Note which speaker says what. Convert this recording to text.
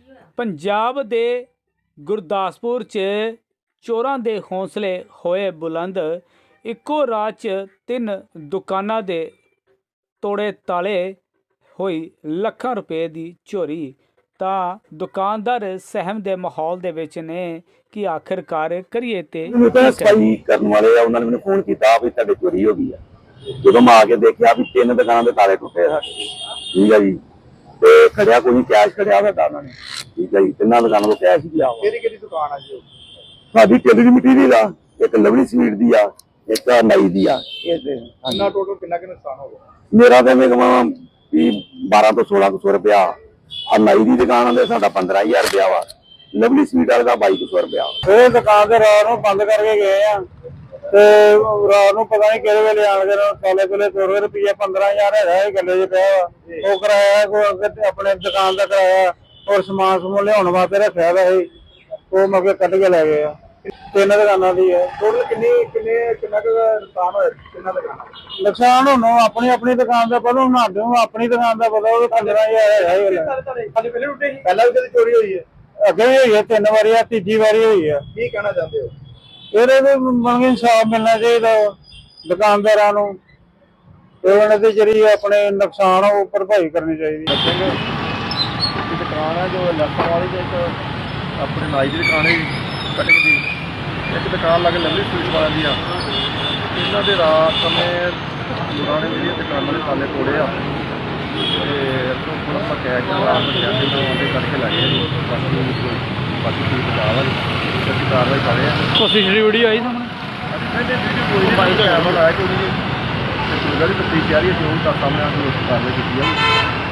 Speaker 1: पंजाब दे गुरदासपुर च चोरां दे हौसले होए बुलंद। इक्को रात च 3 दुकानां दे तोड़े ताले, होई लखां रुपए दी चोरी। तां दुकानदार सहम दे माहौल दे विच ने कि आखिरकार करिए ते
Speaker 2: सफाई करने वाले उन्होंने मैंने फोन किया भी तुहाडे चोरी हो गई है। जो मैं आके देखा भी 3 दुकानों के ताले टुटे है। ठीक है जी, तो खड़िया कोई कैश खड़िया उन्होंने। ठीक है जी, 3 दुकानों को कैश दिया।
Speaker 3: दुकान है जी
Speaker 2: साडी टेलर मटीरियल आ, एक लवली स्वीट दी आ, एक नाई दी आ।
Speaker 3: टोटल कितना नुकसान हो गया?
Speaker 2: मेरा तो मैं कमा 12 तो 1600 रुपया। नाई की दुकान है साडा 15000 रुपया वा। लवली स्वीट वाले का 2200 रुपया।
Speaker 4: दुकान से रात को बंद करके गए रात को पता नहीं कि वेले आन के ताले तुले तोड़े। रुपया 15000 है गले च पिया वो कराया अपने दुकान का कराया और समान समून लिया वास्ते रखा वो मगे कट के लै गए। 3 दुकाना की है।
Speaker 3: टोटल कितना नुकसान होया? कितना दुकान
Speaker 4: नुकसान हूं अपनी अपनी दुकान का पता हूं अपनी दुकान का पता वो 15000 है।
Speaker 3: पहला भी चोरी हुई है?
Speaker 4: अगे भी हुई है 3 बारी, तीजी बारी हुई है।
Speaker 3: की कहना चाहते हो?
Speaker 4: ये मतलब इंसाफ मिलना चाहिए दुकानदारों को जी अपने नुकसान वो भरपाई करनी चाहिए।
Speaker 3: दुकान है जो लखन वाली अपने नाई की दुकान है कटिंग की, एक दुकान लगे लवली स्वीट वाले दी इन्हों के रात में लोगों ने जी दुकानों के ताले तोड़े आ थोड़ा कैश रात में करके लै गए। बाकी चीज बचाव है कार्रवाई कर रहे हैं।
Speaker 1: कोशिश वीडियो आई सामने
Speaker 3: कैमरा लाया कि तफ्तीश जारी है, जो सामने आके कार्रवाई की है।